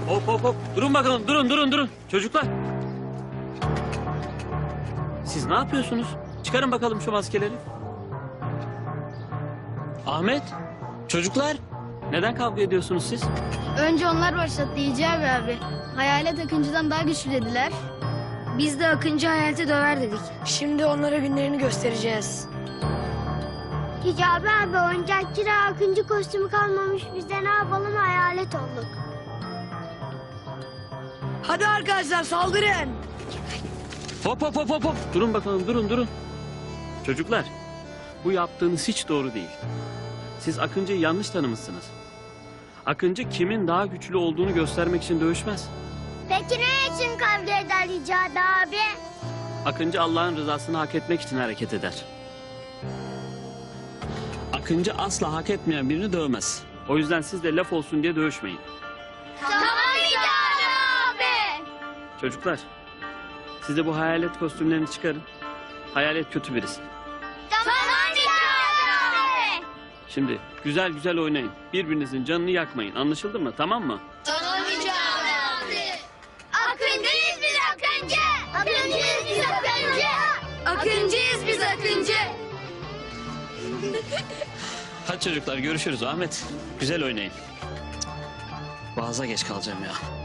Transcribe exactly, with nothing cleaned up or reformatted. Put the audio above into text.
Hop hop hop. Durun bakalım. Durun durun durun. Çocuklar. Siz ne yapıyorsunuz? Çıkarın bakalım şu maskeleri. Ahmet. Çocuklar. Neden kavga ediyorsunuz siz? Önce onlar başlattı Hicabi abi. Hayalet Akıncı'dan daha güçlü dediler. Biz de Akıncı hayaleti döver dedik. Şimdi onlara günlerini göstereceğiz. Hicabi abi oyuncakçıda Akıncı kostümü kalmamış. Biz de ne yapalım hayalet olduk. Hadi arkadaşlar saldırın. Hop hop hop hop hop. Durun bakalım durun durun. Çocuklar. Bu yaptığınız hiç doğru değil. Siz Akıncı'yı yanlış tanımışsınız. Akıncı kimin daha güçlü olduğunu göstermek için dövüşmez. Peki ne için kavga eder Hicabi abi? Akıncı Allah'ın rızasını hak etmek için hareket eder. Akıncı asla hak etmeyen birini dövmez. O yüzden siz de laf olsun diye dövüşmeyin. Tamam Hicabi abi. Çocuklar, siz de bu hayalet kostümlerini çıkarın. Hayalet kötü birisi. Tamam Hicabi abi. Şimdi güzel güzel oynayın. Birbirinizin canını yakmayın. Anlaşıldı mı? Tamam mı? Tamam Hicabi abi. Akıncıyız biz Akıncı. Akıncıyız biz Akıncı. Akıncıyız biz Akıncı. Hadi çocuklar görüşürüz. Ahmet, güzel oynayın. Cık, Vaaza geç kalacağım ya.